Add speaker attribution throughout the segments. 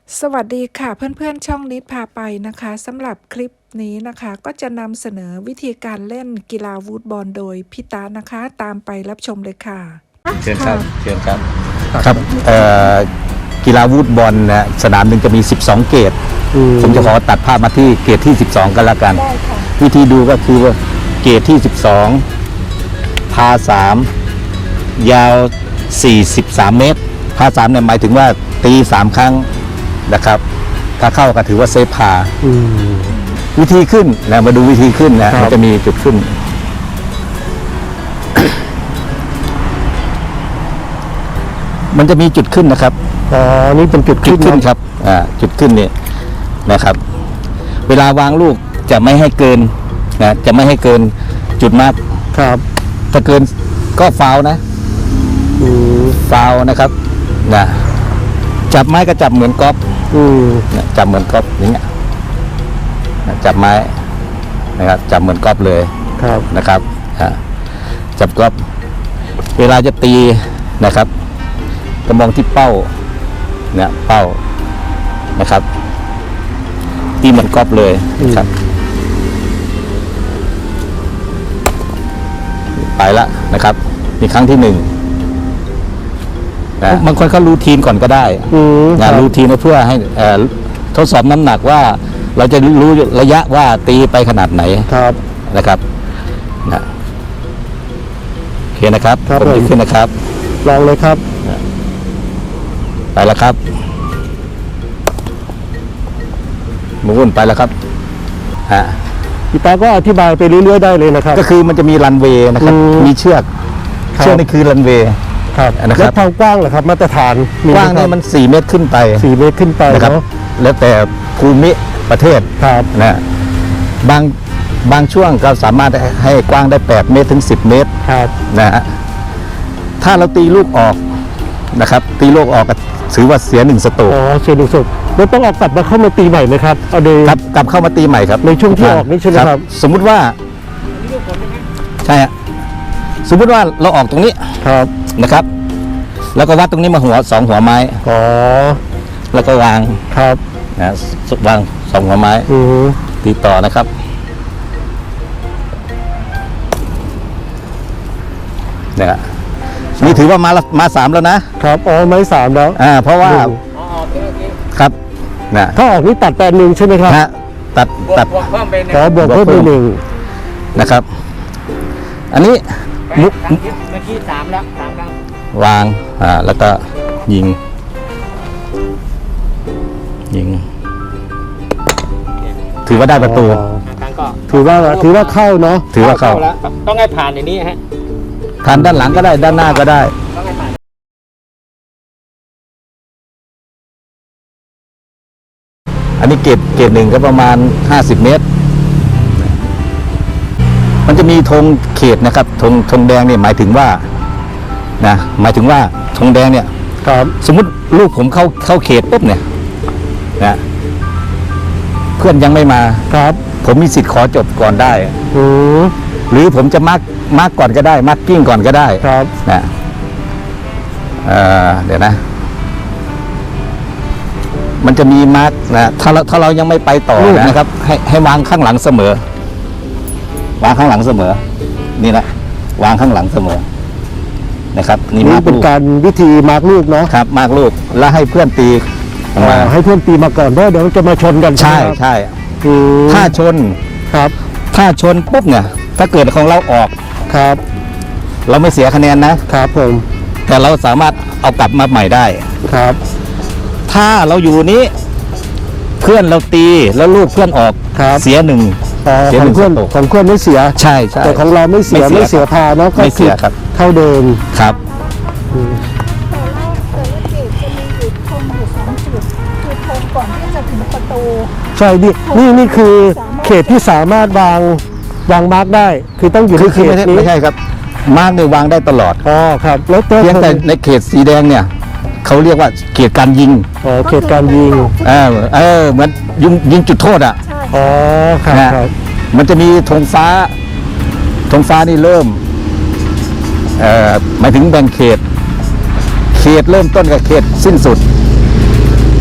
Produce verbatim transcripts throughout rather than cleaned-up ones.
Speaker 1: สวัสดีค่ะเพื่อนๆช่องนิดพาไปนะคะสำหรับคลิปนี้นะคะก็จะนำเสนอวิธีการเล่นกีฬาวูดบอลโดยพี่ตานะคะตามไปรับชมเลยค่ะ
Speaker 2: เชิญครับเชิญครับครับกีฬาวูดบอลนะสนามหนึ่งจะมีสิบสองเกตผมจะขอตัดภาพมาที่เกตที่สิบสองกันละกันวิธีดูก็คือว่าเกตที่สิบสองพาสามยาวสี่สิบสามเมตรพาสามเนี่ยหมายถึงว่าตีสามครั้งนะครับถ้าเข้าก็ถือว่าเซฟพาวิธีขึ้นนะมาดูวิธีขึ้นนะมันจะมีจุดขึ้น มันจะมีจุดขึ้นนะครับ
Speaker 3: อ๋อนี่เป็นจุดขึ้น
Speaker 2: ขึ้นครับอ่าจุดขึ้นเนี่ยนะครับเวลาวางลูกจะไม่ให้เกินนะจะไม่ให้เกินจุดมาร์ก
Speaker 3: ครับ
Speaker 2: ถ้าเกินก็ฟาวนะฟาวนะครับนะจับไม้ก็จับเหมือนกอล์ฟจับเหมือนกอล์ฟอย่างเงี้ยจับไม้นะครับจับเหมือนกอล์ฟเลย
Speaker 3: ครับ
Speaker 2: นะครับจับกอล์ฟเวลาจะตีนะครับก็มองที่เป้าเนี่ยเป้านะครับตีเหมือนกอล์ฟเลยนะครับไปละนะครับมีครั้งที่หนึ่งบางคนเขารูทีนก่อนก็ได้นะรูทีนเพื่อให้ทดสอบน้ำหนักว่าเราจะรู้ระยะว่าตีไปขนาดไหน
Speaker 3: ครับ
Speaker 2: นะครับนะโอเคนะครับผมยกขึ้นนะครับ
Speaker 3: ลองเลยครับ
Speaker 2: ไปแล้วครับหมุนไปแล้วครับฮะ
Speaker 3: พี่ตาก็อธิบายไปเรื่อยๆได้เลยนะครับ
Speaker 2: ก็คือมันจะมีรันเวย์นะครับมีเชือกเชือกนี่คือรันเวย์
Speaker 3: ครับแล้วความกว้างเหรอครับมาตรฐาน
Speaker 2: กว้างเนี่ยมันสี่เมตรขึ้นไป
Speaker 3: สี่เมตรขึ้นไป
Speaker 2: นะครับแล้วแต่ภูมิประเทศ
Speaker 3: ครับ
Speaker 2: นะบางบางช่วงก็สามารถให้กว้างได้แปดเมตรถึงสิบเมตร
Speaker 3: ครับ
Speaker 2: นะฮะถ้าเราตีลูกออกนะครับตีลูกออกก็ถือว่าเสียหนึ่งสโตรก
Speaker 3: อ๋อเสียหนึ่งสโตรกแล้วต้องออกกลับมาเข้ามาตีใหม่ไหมครับเอาโดย
Speaker 2: ครับกลับเข้ามาตีใหม่ครับ
Speaker 3: ในช่วงที่ออกนี่ใช่ไหมครับ
Speaker 2: สมมุติว่าใช่ฮะสมมุติว่าเราออกตรงนี้
Speaker 3: ครับ
Speaker 2: นะครับแล้วก็วัดตรงนี้มาหัวสองหัวไม้
Speaker 3: อ๋อ
Speaker 2: แล้วก็วาง
Speaker 3: ครับ
Speaker 2: นะวางสองหัวไม้ตีต่อนะครับเนี่ยนี่ถือว่ามามาสามแล้วนะครับ
Speaker 3: อ๋อไม้สามแล้ว
Speaker 2: อ่าเพราะว่าครับนะ
Speaker 3: ถ้าออกนี่ตัดแปดหนึ่งใช่ไหมครับ
Speaker 2: ฮะตัดตัด
Speaker 3: ขอบวกเพิ่มไปหนึ่ง
Speaker 2: นะครับอันนี้มุก
Speaker 4: เมื่อกี้สามแล้วสามครั้ง
Speaker 2: วางอ่าแล้วก็ยิงยิงถือว่าได้ประตู
Speaker 3: ถือว่าถือว่าเข้าเนาะ
Speaker 2: ถือว่าเข้า
Speaker 4: ต้องให้ผ่านอย่างนี้ฮะ
Speaker 2: ผ่านด้านหลังก็ได้ด้านหน้าก็ได้อันนี้เกรดเกรดหนึ่งก็ประมาณห้าสิบเมตรมันจะมีธงเขตนะครับธงธงแดงเนี่ยหมายถึงว่านะหมายถึงว่าธงแดงเนี่ย
Speaker 3: ครับ
Speaker 2: สมมุติลูกผมเข้าเข้าเขตปุ๊บเนี่ยนะเพื่อนยังไม่มา
Speaker 3: ครับ
Speaker 2: ผมมีสิทธิ์ขอจบก่อนได้หรือผมจะมาร์กมาร์กก่อนก็ได้มาร์กกิ้งก่อนก็ได้
Speaker 3: ครับ
Speaker 2: นะเอ่อเดี๋ยวนะมันจะมีมาร์กนะถ้าเราถ้าเรายังไม่ไปต่อนะครับให้ให้วางข้างหลังเสมอวางข้างหลังเสมอนี่นะวางข้างหลังเสมอนะครับ
Speaker 3: นี่เป็นการวิธีมาร์กลูกเนาะ
Speaker 2: ครับมาร์กลูกแล้วให้เพื่อนตี
Speaker 3: มาให้เพื่อนตีมาก่อนเพราะเดี๋ยวจะมาชนกัน
Speaker 2: ใช่ใช่ถ้าชน
Speaker 3: ครับ
Speaker 2: ถ้าชนปุ๊บเนี่ยถ้าเกิดของเราออก
Speaker 3: ครับ
Speaker 2: เราไม่เสียคะแนนนะครับ
Speaker 3: ผม
Speaker 2: แต่เราสามารถเอากลับมาใหม่ได้
Speaker 3: ครับ
Speaker 2: ถ้าเราอยู่นี้เพื่อนเราตีแล้วลูกเพื่อนออกเสียหนึ่ง
Speaker 3: ของเพื่อนของเพื่อนไม่เสีย
Speaker 2: ใช่ใช่
Speaker 3: แต่ของเราไม่เสียไม่เสียพาเนาะ
Speaker 2: ก็ไม่เสียครับ
Speaker 3: เท่าเดิม
Speaker 2: ครับ
Speaker 1: ก่อนที่จะถึงประตู
Speaker 3: ใช่ดินี่นี่คือเขตที่สามารถวางวางมาร์กได้คือต้องอยู่ในเขตนี้
Speaker 2: ไม่ใช่ครับมาร์กเนี่ยวางได้ตลอด
Speaker 3: อ๋อครับแล้ว
Speaker 2: เพียงแต่ในเขตสีแดงเนี่ยเขาเรียกว่าเขตการยิง
Speaker 3: อ๋อเขตการยิง
Speaker 2: เออเออเหมือนยิงยิงจุดโทษอ่ะ
Speaker 3: อ๋อครับ
Speaker 2: มันจะมีธงฟ้าธงฟ้านี่เริ่มเอ่อหมายถึงแบ่งเขตเขตเริ่มต้นกับเขตสิ้นสุด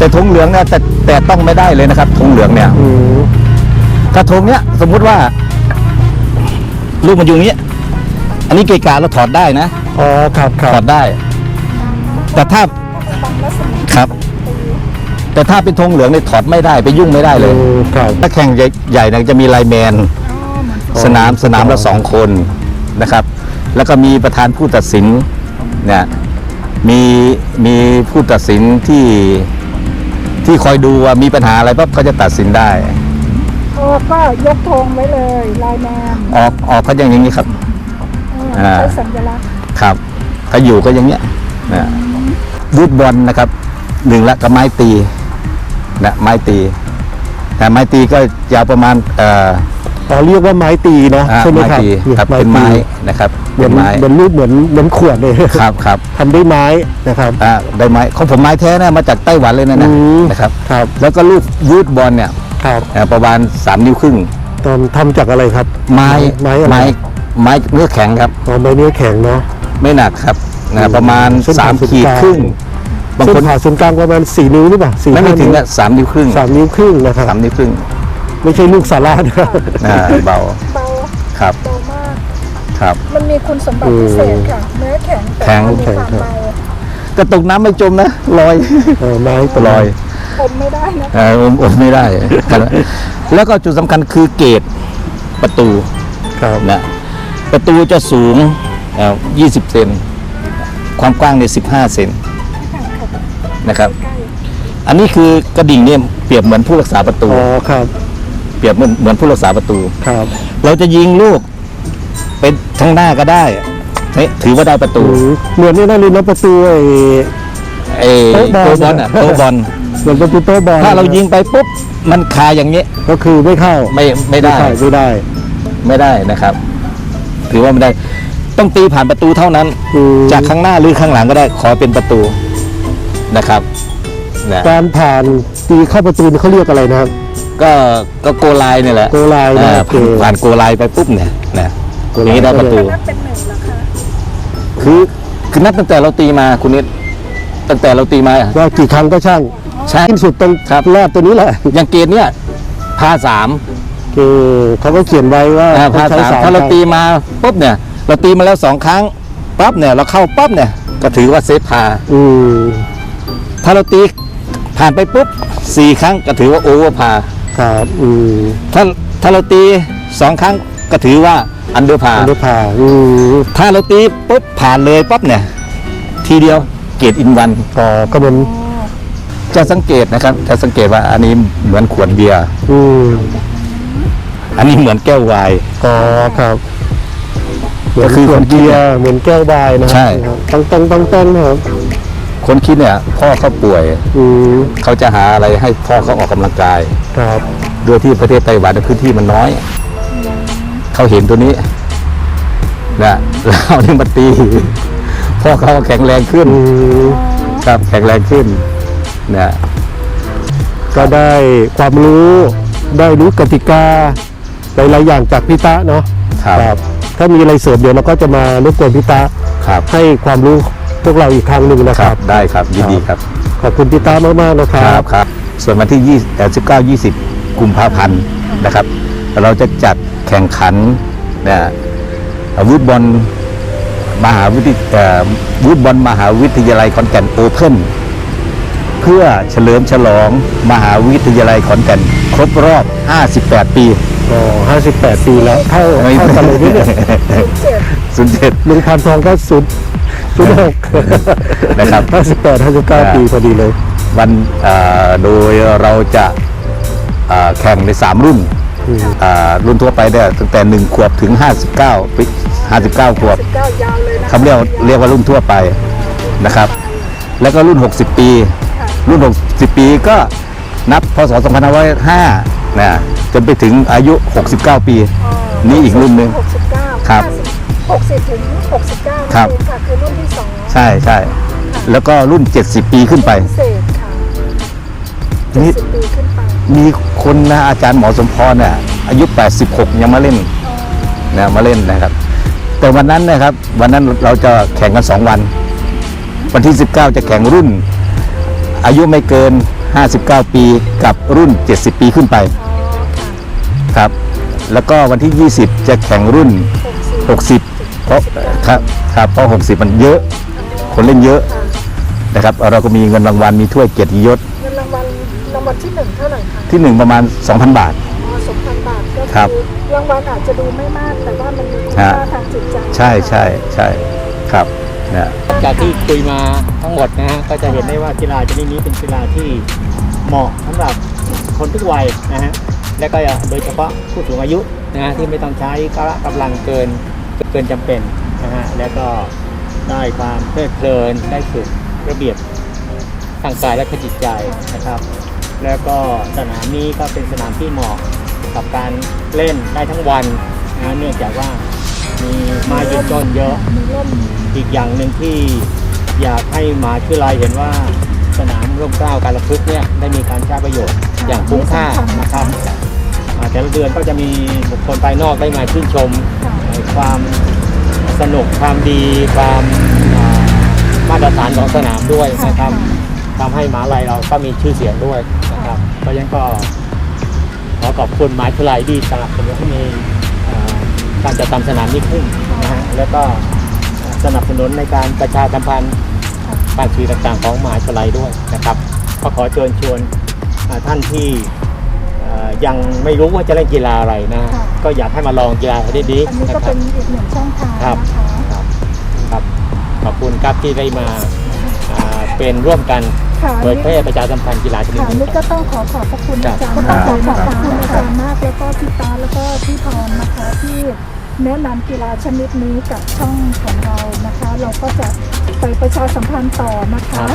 Speaker 2: แต่ธงเหลืองเนี่ยแต่แต่ต้องไม่ได้เลยนะครับธงเหลืองเนี่ย
Speaker 3: อืม
Speaker 2: กระทงเนี้ยสมมุติว่าลูกมันอยู่อย่างนี้อันนี้เกะกะเราถอดได้นะ
Speaker 3: อ๋อครับครั
Speaker 2: ถอบ ดได้ แต่ถ้าครับ แต่ถ้าเป็นธงเหลืองเนี่ยถอดไม่ได้ไปยุ่งไม่ได้เลย
Speaker 3: อืมครับ
Speaker 2: ถ้าแข่งใหญ่ๆเนี่ยจะมีไลน์แมน สนามสนามละสองคนนะครับ แล้วก็มีประธานผู้ตัดสินเนี่ยมีมีผู้ตัดสินที่ที่คอยดูว่ามีปัญหาอะไรปั๊บเขาจะตัดสินได้
Speaker 1: โอ้ก็ยกธงไว้เลยไลน์แมน
Speaker 2: ออกออกก็อย่างอย่างนี้ครับ
Speaker 1: เออ
Speaker 2: อ่า
Speaker 1: ใช้สัญลักษณ์
Speaker 2: ครับถ้าอยู่ก็อย่างเงี้ยนะวูดบอลนะครับหนึ่งละกับไม้ตีนะไม้ตีแต่ไม้ตีก็ยาวประมาณเอ่อ
Speaker 3: อ๋อเรียกว่าไม้ตีเนาะ
Speaker 2: อ่า
Speaker 3: ใช่ไหม
Speaker 2: ไม้
Speaker 3: ครับ
Speaker 2: ตีครับเป็นไม้นะครับ
Speaker 3: เหมื
Speaker 2: เป็
Speaker 3: อน
Speaker 2: นไม้
Speaker 3: เหมือนรูปเหมือนเหมือนขวดเลย
Speaker 2: ครับครับ
Speaker 3: ทำด้วยไม้นะครับ
Speaker 2: อ่าได้ไม้ของผมไม้แท้นะมาจากไต้หวันเลยนะ
Speaker 3: อื
Speaker 2: นะ
Speaker 3: ม
Speaker 2: นะครับ
Speaker 3: ครับ
Speaker 2: แล้วก็ลูกวูดบอลเนี่ย
Speaker 3: ครับ
Speaker 2: อ่าประมาณสามนิ้วครึ่ง
Speaker 3: ตอนทำจากอะไรครับ
Speaker 2: ไม้
Speaker 3: ไม้อะไร
Speaker 2: ไม้ไม้เนื้อแข็งครับ
Speaker 3: อ๋อไม้เนื้อแข็งเนาะ
Speaker 2: ไม่หนักครับนะประมาณ
Speaker 3: เส้นผ่า
Speaker 2: สาม
Speaker 3: ศูนย์
Speaker 2: ขีด
Speaker 3: กลาง
Speaker 2: ครึ่งบาง
Speaker 3: เส้
Speaker 2: คน
Speaker 3: นผ่าศูนย์กลางประมาณสี่นิ้วหรือเปล่าสี่
Speaker 2: ไม่ไม่ถึง
Speaker 3: ห้า
Speaker 2: อะสามนิ้วครึ่ง
Speaker 3: สามนิ้วครึ่งนะครับ
Speaker 2: สามนิ้วครึ่ง
Speaker 3: ไม่ใช่ลูกสารานะ
Speaker 2: อ่าเบา
Speaker 1: เบา
Speaker 2: ครับ
Speaker 1: เบามาก
Speaker 2: ครับ
Speaker 1: มันมีคุณสมบัติพิเศษค่ะ เนื้อแข็งแต่
Speaker 2: แข็ง
Speaker 1: ว่ามีความเบา
Speaker 2: ก็ตกน้ำไม่จมนะลอย
Speaker 3: เออไม้
Speaker 2: ลอย
Speaker 1: อมไม่ได้นะ
Speaker 2: เอออมอมไม่ได้ครับแล้วก็จุดสำคัญคือเกตประตู
Speaker 3: ครับ
Speaker 2: นะประตูจะสูงเอ่อยี่สิบเซนความกว้างเนี่ยสิบห้าเซนนะครับ อันนี้คือกระดิ่งเนี่ยเปรียบเหมือนผู้รักษาประตู
Speaker 3: อ๋อครับ
Speaker 2: เปรียบเหมือนเหมือนผู้รักษาประตู
Speaker 3: ครับ
Speaker 2: เราจะยิงลูกไปทางหน้าก็ได้เฮ้ยถือว่าได้ประตู
Speaker 3: อืมเหมือนนี่นั่นเลยนะประตูไอ้
Speaker 2: เออ
Speaker 3: โต๊ะบอล
Speaker 2: โต๊ะบอลอ่ะโต๊ะบอล
Speaker 3: เหมือนประตูโต๊ะบอล
Speaker 2: ถ้าเรายิงไปปุ๊บมันคาอย่างนี้
Speaker 3: ก็คือไม่เข้า
Speaker 2: ไม่ไม่ได้
Speaker 3: เข้าไม่ได้
Speaker 2: ไม่ได้นะครับ ถือว่าไม่ได้ต้องตีผ่านประตูเท่านั้น
Speaker 3: อืม
Speaker 2: จากข้างหน้าหรือข้างหลังก็ได้ขอเป็นประตูนะครับนะ
Speaker 3: การผ่านตีเข้าประตูนี่เขาเรียกอะไรนะครับ
Speaker 2: ก็ก็โกไลน์เนี่ยแหละ
Speaker 3: โกไลน์นะ
Speaker 2: อ่า
Speaker 3: โอเค
Speaker 2: ผ่านผ่านโกไลน์ไปปุ๊บเนี่ยนะ
Speaker 3: โก
Speaker 2: อ
Speaker 3: ไลน์
Speaker 2: ย่างนี้ได้ประตู
Speaker 1: นับเป็นหนึ่งเหรอคะ
Speaker 2: คือคือนับตั้งแต่เราตีมาคุณนิดตั้งแต่เราตีมา
Speaker 3: ว่ากี่ครั้งก็ช่าง
Speaker 2: ใช่
Speaker 3: สิ้นสุดตรง
Speaker 2: ครับ
Speaker 3: แรกตัวนี้แหละ
Speaker 2: อย่างเกณฑ์เนี่ยพาสาม
Speaker 3: คือเขาก็เขียนไว้ว่า
Speaker 2: อ่าพา
Speaker 3: ต้องใช้
Speaker 2: สามถ้าเรา
Speaker 3: คง
Speaker 2: ตีมาปุ๊บเนี่ย เราตีมาแล้วสองครั้งปั๊บเนี่ยเราเข้าปั๊บเนี่ยก็ถือว่าเซฟพา
Speaker 3: อืม
Speaker 2: ถ้าเราตีผ่านไปปุ๊บสี่ครั้งก็ถือว่าโอเวอร์พา
Speaker 3: ครับอืม
Speaker 2: ถ้าถ้าเราตีสองครั้งก็ถือว่าอันเดอร์พา
Speaker 3: อันนี้ผ่าอืม
Speaker 2: ถ้าเราตีปุ๊บผ่านเลยปั๊บเนี่ย ทีเดียวเกรดอินวัน
Speaker 3: ก็ก็เหมือน
Speaker 2: จะสังเกตนะครับจะสังเกตว่าอันนี้เหมือนขวดเบียร์
Speaker 3: อืม
Speaker 2: อันนี้เหมือนแก้วไวน์
Speaker 3: ก็ครับเหมื
Speaker 2: ก็
Speaker 3: อน
Speaker 2: คือ
Speaker 3: ขวด
Speaker 2: คนคิด
Speaker 3: เบียร์เหมือนแก้วไวน์นะ
Speaker 2: ใช่
Speaker 3: ต้องต้องต้องต้องนะครับ
Speaker 2: คนคิดเนี่ยพ่อเขาป่วย
Speaker 3: อืม
Speaker 2: เขาจะหาอะไรให้พ่อเขาออกกำลังกาย
Speaker 3: ครับ
Speaker 2: โดยที่ประเทศไต้หวันพื้นที่มันน้อย เขาเห็นตัวนี้นะแล้วเอานี่มาตีพ่อเขาแข็งแรงขึ้น
Speaker 3: อืม
Speaker 2: ครับแข็งแรงขึ้นนะ
Speaker 3: ก็ได้ความรู้ได้รู้กติกาหลายๆอย่างจากพี่ตะเนาะ
Speaker 2: ครับ
Speaker 3: ถ้ามีอะไรเสริมเดี๋ยวเราก็จะมารบกวนพี่ตะ
Speaker 2: ครับ
Speaker 3: ให้ความรู้พวกเราอีกครั้งหนึ่งนะ
Speaker 2: ค
Speaker 3: ค
Speaker 2: รั
Speaker 3: รั
Speaker 2: บบ ได้ครับยินดีครับ
Speaker 3: ขอบคุณพี่ตามากๆนะค
Speaker 2: ค
Speaker 3: รั
Speaker 2: รั
Speaker 3: บบ
Speaker 2: ครับ ส่วนวันที่ยี่สิบเก้า ยี่สิบกุมภาพันธ์นะครับ เราจะจัดแข่งขันนะวูดบอลมหาวิทยเอ่อวูดบอลมหาวิทยาลัยขอนแก่นโอเพ่นเพื่อเฉลิมฉลองมหาวิทยาลัยขอนแก่นครบรอบ ห้าสิบแปด ปี
Speaker 3: อ๋อห้าสิบแปดปีแล้วเท่าเท่ากันเลยนี่เนี่ย
Speaker 2: ศูนย์เจ็ด
Speaker 3: ลุงพันทองก็ศูนย์ศูนย์หก
Speaker 2: นะครับ
Speaker 3: ห้าสิบแปดห้าสิบเก้า
Speaker 2: อ่า
Speaker 3: ปีพอดีเลย
Speaker 2: วันเอ่อโดยเราจะเอ่อแข่งในสามรุ่น
Speaker 3: อืม
Speaker 2: อ่ารุ่นทั่วไปเนี่ยตั้งแต่หนึ่งขวบถึงห้าสิบเก้าปีห้าสิบเก้าขวบ
Speaker 1: สิบเก้ายาวเลยนะ
Speaker 2: คำเรียกเรียกว่ารุ่นทั่วไปนะครับ แล้วก็รุ่นหกสิบปี รุ่นหกสิบปีก็นับพศสองพันห้าร้อยห้านะจนไปถึงอายุหกสิบเก้าปี นี่อีกรุ่นหนึ่ง
Speaker 1: หกสิบเก้า
Speaker 2: ครับ
Speaker 1: หกสิบถึงหกสิบเก้า
Speaker 2: ครับ
Speaker 1: นั่นเองค่ะคือรุ่นที่สอง
Speaker 2: ใช่ใช่แล้วก็รุ่นเจ็ดสิบปีขึ้นไป
Speaker 1: พิเศษค่ะ
Speaker 2: นี่
Speaker 1: สิบปีขึ้นไป
Speaker 2: มีคนนะอาจารย์หมอสมพรเนี่ยอายุแปดสิบหกยังมาเล่นนะมาเล่นนะครับ แต่วันนั้นนะครับ วันนั้นเราจะแข่งกันสองวัน วันที่สิบเก้าจะแข่งรุ่น อายุไม่เกินห้าสิบเก้า ปีกับรุ่น เจ็ดสิบ ปีขึ้นไป
Speaker 1: อ๋อค่ะ
Speaker 2: ครับ แล้วก็วันที่ ยี่สิบ จะแข่งรุ่น หกสิบ เพราะครับครับเพราะ หกสิบ มันเยอะ คนเล่นเยอะนะครับ เราก็มีเงินรางวัลมีถ้วยเกียรติยศ
Speaker 1: เงินรางวัลรางวัลที่หนึ่งเท่าไหร่คะ
Speaker 2: ที่หนึ่งประมาณ สองพัน บาท
Speaker 1: อ๋อสองพันบาทก็
Speaker 2: ครับ
Speaker 1: คือรางวัลอาจจะดูไม่มากแต่ว่ามันมีคุณค่าทางจิตใจ
Speaker 2: ใช่ใช่ใช่ครับนะ
Speaker 4: จากที่คุยมาทั้งหมดนะฮะก็จะเห็นได้ว่ากีฬาชนิดนี้เป็นกีฬาที่เหมาะสำหรับคนทุกวัยนะฮะและก็โดยเฉพาะผู้สูงอายุนะฮะที่ไม่ต้องใช้กำลังเกินเกินจำเป็นนะฮะแล้วก็ได้ความเพลิดเพลินได้ฝึกระเบียบทางกายและจิตใจนะครับ แล้วก็สนามนี้ก็เป็นสนามที่เหมาะกับการเล่นได้ทั้งวันนะเนื่องจากว่ามีไม้ยืนต้นเยอะ
Speaker 1: มีร่ม
Speaker 4: อีกอย่างหนึ่งที่อยากให้มหาวิทยาลัยเห็นว่าสนามร่มเกล้าการละพึกษ์เนี่ยได้มีการใช้ประโยชน์อย่างคุ้มค่านะครับอ่าแต่ละเดือนก็จะมีบุคคลภายนอกได้มาชื่นชมความสนุกความดีความอ่ามาตรฐานของสนามด้วยนะครับทำให้มหาวิทยาลัยเราก็มีชื่อเสียงด้วยนะครับเพราะฉะนั้นก็ขอขอบคุณมหาวิทยาลัยที่สนับสนุนให้มีอ่าการจัดทำสนามนี้ขึ้นนะฮะแล้วก็สนับสนุนในการประชาสัมพันธ์การสื่อต่างๆของมหาวิทยาลัยด้วยนะครับก็ขอเชิญชวนอ่าท่านที่อ่ายังไม่รู้ว่าจะเล่นกีฬาอะไรนะก็อยากให้มาลองกีฬาให้ดี
Speaker 1: อันนี้
Speaker 4: ๆนะ
Speaker 1: ก็
Speaker 4: ครั
Speaker 1: เป็
Speaker 4: บ
Speaker 1: นอีกหนึ่งช่องทาง
Speaker 4: ครับ
Speaker 1: นะคะ
Speaker 4: ครับครับขอบคุณครับที่ได้มาอ่าเป็นร่วมกัน
Speaker 1: ค่ะ
Speaker 4: เผยแพร่ประชาสัมพันธ์กีฬาชนิด
Speaker 1: ค่ะ
Speaker 4: นี้
Speaker 1: นี่ก็ต้องขอขอบพระคุณอาจารย์
Speaker 2: ครับ
Speaker 1: ขอบพระคุณอาจารย์มากแล้วก็พี่ตาแล้วก็พี่พรนะคะที่แนะนำกีฬาชนิดนี้กับช่องของเรานะคะ เราก็จะไปประชาสัมพันธ์ต่อนะคะ